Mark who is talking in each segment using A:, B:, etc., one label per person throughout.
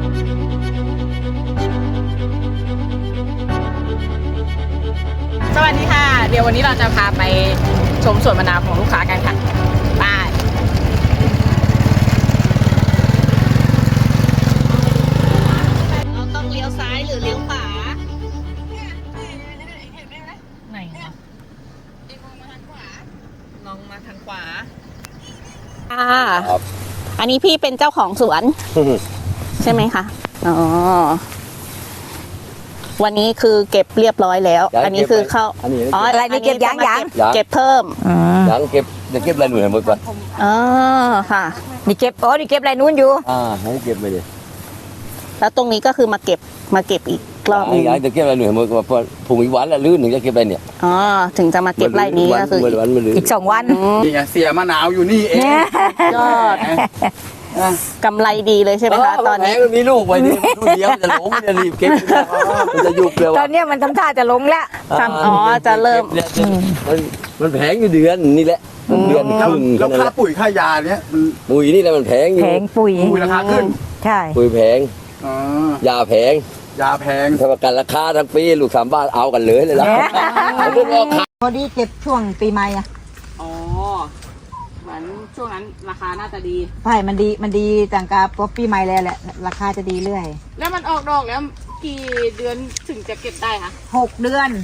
A: สวัสดีค่ะเดี๋ยววันนี้เราจะพาไปชมสวนมะนาวของลูกค้ากันค่ะไปเราต้องเลี้ยวซ้ายหรือเลี้ยวขวาไหนวะลองมาทางขวาอันนี้พี่เป็นเจ้าของสวน ใช่ไหมคะอ๋อวันนี้คือเก็บเรียบร้อยแล้วอันนี้คือเข้าอ๋ออะไรนี่เก็บยังเก็บเพิ่ม
B: ยังเก็บจะเก็บอะไรหน่วยหมดก่อน
A: อ๋อค่ะ
C: นี่เก็บนี่เก็บอะไรนู้นอยู่
B: ให้เก็บไปดิ
A: แล้วตรงนี้ก็คือมาเก็บอีกรอบนึง
B: จะเก็บอะไรหน่วยหมดก่อนพอผงอีกวันละลื่นถึงจะเก็บอะไรเนี่ย
A: อ๋อถึงจะมาเก็บไร่นี้ก็คือ
C: อีก2 วัน
D: นี่ไงเสียมะนาวอยู่นี่เอง
A: ยอดกำไรดีเลยใช่ไหมคะตอนนี้
B: มันมีลูกไว้นี่ลูกเดียวจะหลงจะรีบเก็บมันจะยุบเร็ว
C: ตอนนี้มันทำท่าจะลงแล้ว
A: อ๋อจะเริ่ม
B: มันแพงอยู่เดือนนี่แหละเดือนครึ่ง
D: แล้วค่าปุ๋ยค่ายาเนี้ย
B: ปุ๋ยนี่แหละมันแพงอยู่
C: แพงปุ๋ย
D: ราคาขึ้น
C: ใช่
B: ปุ๋ยแพงยาแพงถ้าประกันราคาทั้งปีลูก3 บาทเอากันเลยเลยล่ะ
C: พอดีเก็บช่วงปีใหม่
A: อ๋อเหมือนช่วงนั้นราคาน่าจะดี
C: ใช่มันดีต่างกับพอปีใหม่แล้วแหละราคาจะดีเรื่อย
A: แล้วมันออกดอกแล้วกี่เดือนถึงจะเก็บได้คะ
C: 6 เดือน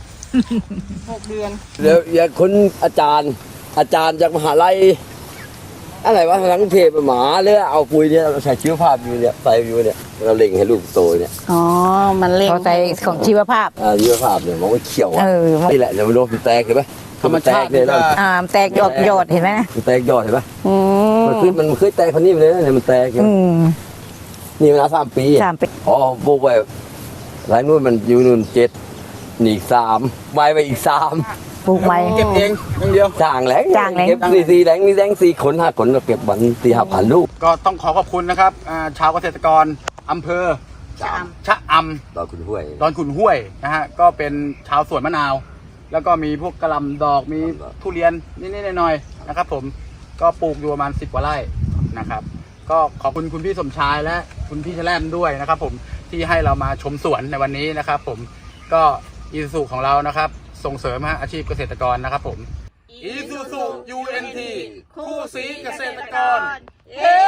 A: 6 เดือน
B: เดี๋ยวอย่าคนอาจารย์จากมหาลัยอะไรวะทั้งเทพหมาเลยเอาปุ๋ยเนี่ยเราใส่ชีวภาพอยู่เนี่ยใส่อยู่เนี่ยเราเล็งให้ลูกโตเนี่ย
A: อ๋อมันเล็ง
C: ใส่ของชีวภาพ
B: ชีวภาพเนี่ยมองว่าเขียวนี่แหละเดี๋ยวมันโดนแตกเห็นไหม
D: มันแตก
B: เลยแล้ว
C: แตกยอดเห็นไหม
B: มันแตกยอดเห็นไหมมันเคยแตกคนนี้เลยเนี่ยมันแตกนี่มัน3 ปีอ๋อปลูกไว้หลายนู่นมันอยู่นู่น7นี่อีก3ไว้ไปอีก3
C: ปลูกไว้
D: เก็บเองอย่างเดียว
B: จ้างแหลงเก็บ4แหลงมีแหลง4 ขน 5 ขนเราเก็บวัน4-5,000 ลูก
D: ก็ต้องขอบคุณนะครับชาวเกษตรกรอำเภอชะอำ
B: ดอนขุนห้
D: วยนะฮะก็เป็นชาวสวนมะนาวแล้วก็มีพวกกระหล่ำดอกมีทุเรียนนิดๆหน่อยๆนะครับผมก็ปลูกอยู่ประมาณ10 กว่าไร่นะครับก็ขอบคุณคุณพี่สมชายและคุณพี่แชล่มด้วยนะครับผมที่ให้เรามาชมสวนในวันนี้นะครับผมก็อีซูซูของเรานะครับส่งเสริมอาชีพเกษตรกรนะครับผมอีซูซู UNT คู่สีเกษตรกร